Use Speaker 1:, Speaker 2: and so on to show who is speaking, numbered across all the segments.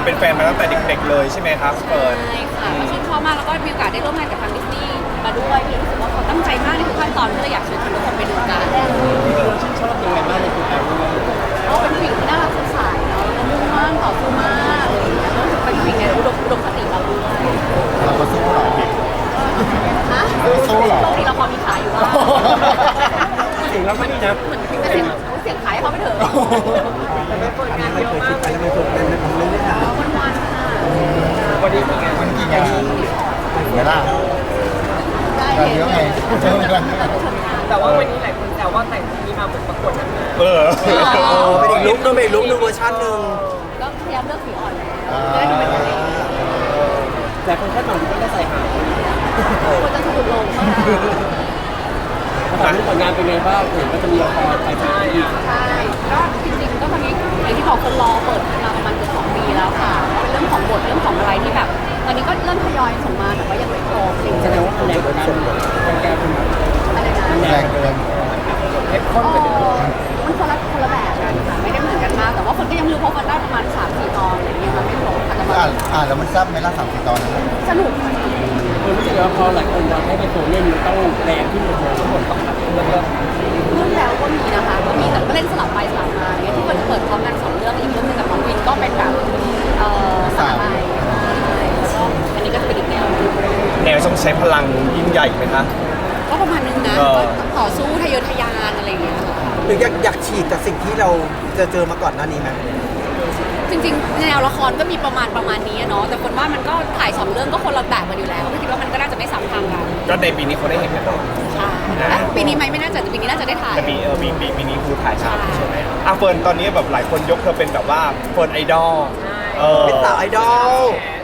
Speaker 1: เป็นแฟนมาตั้งแต่เด็กๆเลยใช่ไหมครับเฟิร์น
Speaker 2: ใช่ค่ะก็ชื่นชอบมากแล้วก็มีโอกาสได้ร่วมงานกับทางดิสนีย์มาด้วยพี่รู้สึกว่าเขาตั้งใจมากในทุกขั้นตอนก็เลยอยากเชิญชวนทุกคนไปดูกัน
Speaker 3: เราชื่นชอบยังไงบ้างในตัวแอล
Speaker 2: เขาเป็นผู้หญิงที่น่ารักสดใสเนาะแล้วมุ่งมั่นต่อสู้มากอะไรอย่างเงี้ยแล้วรู้สึกเป็นผู้หญิงในอุดมคติเราด้วย
Speaker 4: เราก็สู้หรอพี่
Speaker 2: ฮะ
Speaker 4: สู้เหรอ
Speaker 2: โชคดีเราพอมีขายอยู่บ้าง
Speaker 3: เสียงเราก็ดีนะ
Speaker 2: เหมือนเสียงขายให้เขาไปเถอะ
Speaker 3: แต่ไม่เปิดงานเยอะมากเลยไม่เปิดงานไม่ได้ถาม
Speaker 2: วันๆค่ะ
Speaker 3: วันนี้มีงาน
Speaker 4: มันกี่งานเวลา
Speaker 2: ได้
Speaker 4: เราเยอะไง
Speaker 3: แต่ว่าวันนี้หลายคนแซวว่าแต่งนี้มาเหมือนประกวดนางงาม
Speaker 1: เออ
Speaker 3: เป็นอีกลุคนึงเป็นอีกลุคนึงเวอร์ชันหนึ่ง
Speaker 2: ก็พยายามเลือกสีอ่อนแล้วจะได้ดูเป็นตัวเอง
Speaker 3: แต่คนคาดหวังก็ได้ใส่หาง
Speaker 2: ควรจะสะดุดลงมาก
Speaker 3: ตอนนี้ผลงานเป็นไงบ้างเห็นว่าจะมีละครไปใช่
Speaker 2: ใช่ก็จริงๆก็ตอนนี้อย่างที่บอกคนรอเปิดมาประมาณเกือบ2 ปีแล้วค่ะเป็นเรื่องของบทเรื่องของอะไรที่แบบ ตอนนี้ก็เริ่มทยอยส่งมาแต่ว่ายังไม่ครบจริง
Speaker 3: แสดงว่าคะแนนของการแก้เป็น
Speaker 2: อะไรนะ
Speaker 4: แรงเกิน
Speaker 3: เข้มข้นไปเลย
Speaker 2: มันคนละแบบกันค่ะไม่ได้เหมือนกันมากแต่ว่าคนก็ยังไม่รู้เพราะมันได้ประมาณ3-4 ตอนอะไรเงี้ยมันไม่ครบค่ะแต่ว่า
Speaker 4: แล้วมันซ้ำไหมล่ะ3-4 ตอนนั้น
Speaker 2: สนุกค่ะ
Speaker 3: รู้สึกว่าพอหลายคนวางให้เป็นตัวเล่นมันต้องแรงขึ้นเลยทั้งหมดต้องแล้วก็
Speaker 2: เรื่องแล้วก็มีนะคะก็มีแต่ก็เล่นสลับไปสลับมาเนี่ยที่มันจะเปิดพร้อมกัน2 เรื่องอีกเรื่องนึงกับน้องวินก็เป็นแบบสลับไปแล้วก็อันนี้ก็จะเป็นอีกแนว
Speaker 1: แนวต้องใช้พลังยิ่งใหญ่ไหมคะ
Speaker 2: ก็ประมาณนึงนะ
Speaker 1: เออ
Speaker 2: ก็ต่อสู้ทะเยอทะยานอะไรอย่างเงี้ยค่ะ
Speaker 5: หรืออยากฉีกจากสิ่งที่เราเจอมาก่อนหน้านี้ไหม
Speaker 2: จริงๆแนวละครก็มีประมาณนี้อะเนาะแต่คนว่ามันก็ถ่าย2 เรื่องก็คนละแบบกันอยู่แล้วก็คิดว่ามันก็น่าจะไม่ซ้ำทางกัน
Speaker 1: ก็ในปีนี้เขาได้เห็นกันแล้ว
Speaker 2: ใช่และปีนี้ไหมไม่น่าจะแต่ปีนี้น่าจะได้ถ่าย
Speaker 1: แต่ปีนี้คือถ่ายฉาก
Speaker 2: ใช่
Speaker 1: ใช่ไหมอ่ะเฟิร์นตอนนี้แบบหลายคนยกเธอเป็นแบบว่าเฟิร์นไอดอลเออ
Speaker 5: เป็นสาวไอดอล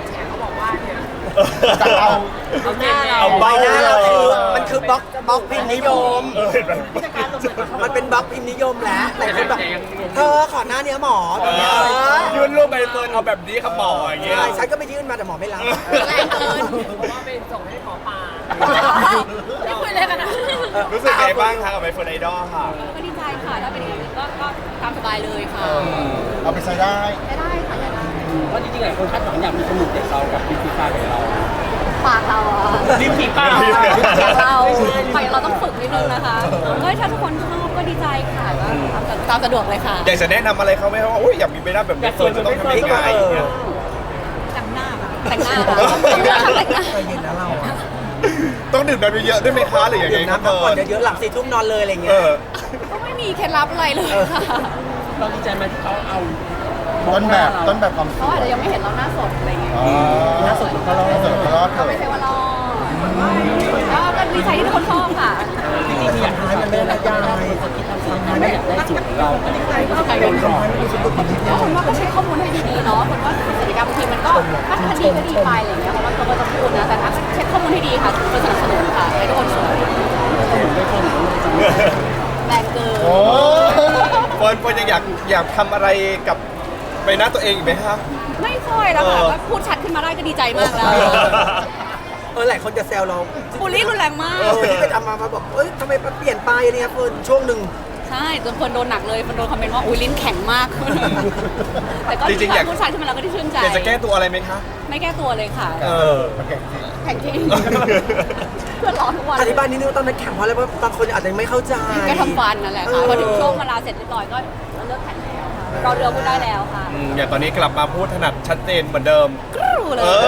Speaker 4: จะเอา
Speaker 3: เอาหน้าเรา
Speaker 1: เอา
Speaker 5: ใบ
Speaker 1: เบ้า
Speaker 5: หน้าเราคือมันคือบล็อกพิมพ์นิยม
Speaker 1: เออเห็นไหม
Speaker 5: มันเป็นบล็อกพิมพ์นิยมแล้วหลายคนแบบเธอขอหน้าเนี้ยหมอแบบเนี้ย
Speaker 1: ยื่นรูปใบเฟิร์นเอาแบบนี้ครับหมออย่างเงี้ย
Speaker 5: ใช่ฉันก็ไปยื่นมาแต่หมอไม่รับ
Speaker 2: แรงเกิน
Speaker 3: เพราะว่าไปส่งให้หมอปลา
Speaker 2: ไม่คุยเลยกันนะ
Speaker 1: รู้สึกไงบ้างคะกับใบเฟิร์นไอดอลค่ะ
Speaker 2: ก็ดีใจค่ะถ้าเป็นอย่างนี้ก็ตามสบายเลยค่ะ
Speaker 4: เอาไปใช้ได้
Speaker 2: ได้ค่ะได้
Speaker 3: เพราะจริงๆหลายคนคาดหวังอยากมีสมุดเด็กเรากับพิธีการของเรา
Speaker 2: ปากเราอะ
Speaker 3: ริมฝีปาก
Speaker 2: ปากเราปากเราต้องฝึกนิดนึงนะคะเฮ้ยถ้าทุกคนชอบก็ดีใจค่ะก็ตามสะดวกเลยค่ะ
Speaker 1: อยากจะแนะนำอะไรเขาไหมครับว่าโอ้ยอยากมีใบหน้าแบบนี้เฟิร์นจะต้องทำยังไงอย่างเงี้ย
Speaker 2: แต่งหน้าแต่งหน้าแต่งหน้า
Speaker 5: ใจเย็นนะเราอะ
Speaker 1: ต้องดื่มน้ำเยอะๆด้วยไหมคะหรือยังไง
Speaker 5: ดื่ม
Speaker 1: ครับ
Speaker 5: น้ำพัก
Speaker 1: เฟิ
Speaker 5: ผ่อน
Speaker 1: ร์น
Speaker 5: เยอะๆหลัง4 ทุ่มนอนเลยอะไร
Speaker 1: เอ
Speaker 5: เงี้ย
Speaker 1: อ
Speaker 2: ก็ไม่มีเคล็ดลับอะไรเลยค่ะ
Speaker 3: เราดีใจไหมที่เขาเอา
Speaker 4: ต้นแบบความส
Speaker 2: เขา
Speaker 4: ว
Speaker 2: อาจ
Speaker 4: ย
Speaker 2: จะยังไม่เห็นเราหน้าสดอะไรเงี้ย
Speaker 4: อ๋อ
Speaker 3: หน้าสดของเขาเรา
Speaker 4: เสริมรอดเถ
Speaker 2: ก็ไม่
Speaker 4: อะ
Speaker 2: ใช่ว่ารอก็ดีใจที่ทุกคนชอบค่ะ
Speaker 3: จริงๆอยากให้มันเป็นระยะคนที่ทำสิ่งที่ไม่อยากได้สูตรของเราอันนี้ใครก็ใครเป็นก่อน
Speaker 2: แล้วคนว่าก็ใช้ข้อมูลให้ดีๆเนาะคนว่ากิจกรรมบางทีมันก็ถ้าดีก็ดีไปอะไรเงี้ยเพราะว่าเราก็จะพูดนะแต่ถ้าเช็คข้อมูลให้ดีค่ะจะสนับสนุนค่ะให้ทุกคนสวย
Speaker 3: ไม่คน
Speaker 2: แรงเกิน
Speaker 4: โอ้
Speaker 1: เฟิร์นยังอยากทำอะไรกับใบหน้าตัวเองอีกไหมครับ
Speaker 2: ไม่ค่อยแล้วค่ะก็พูดชัดขึ้นมาได้ก็ดีใจมากแล้ว
Speaker 5: หลายคนจะแซวเรา
Speaker 2: บูลลี่รุนแรงมาก
Speaker 5: ที่ไปทำมาบอกเอ้ยทำไมมันเปลี่ยนไปเนี่ยเฟิร์นช่วงหนึ่ง
Speaker 2: ใช่จนคนโดนหนักเลยคนโดนคอมเมนต์ว่าอุ้ยลิ้นแข็งมาก แต่ก็
Speaker 1: จริงๆอยาก
Speaker 2: พูดชัดขึ้นมาแล้วก็ได้ชื่นใจ
Speaker 1: อยากจะแก้ตัวอะไรไหมคะ
Speaker 2: ไม่แก้ตัวเลยค่ะ
Speaker 1: เออ
Speaker 4: มันแข็งจริง
Speaker 2: แข็งจริง เพื่อนร้อนทุกวัน
Speaker 5: อธิบายนิดนึงว่าตอนนั้นแข่งเพราะอะไรเพราะบางคนอาจจะไม่เข้าใจ
Speaker 2: ก็ทำฟันนั่นแหละค่ะพอถึงช่วงเวลาเสร็จเรียบร้อยก็เลิกแข่งแล้วค่ะรอเรือพูดได้แล้วค่ะ
Speaker 1: อย่างตอนนี้กลับมาพูดถนัดชัดเจนเหมือนเดิม
Speaker 2: กรูเลย
Speaker 1: เอ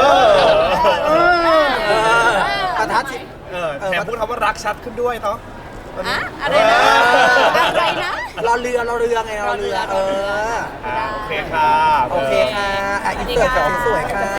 Speaker 1: อ
Speaker 5: ประทัดชิ
Speaker 1: แถมพูดคำว่ารักชัดขึ้นด้วยเนาะ
Speaker 2: อะอะไรนะอะไรนะ
Speaker 5: รอเรือไงรอเรือ
Speaker 1: โอเคค่ะ
Speaker 5: โอเคค่ะอินเสิร์ตสวยๆค่ะ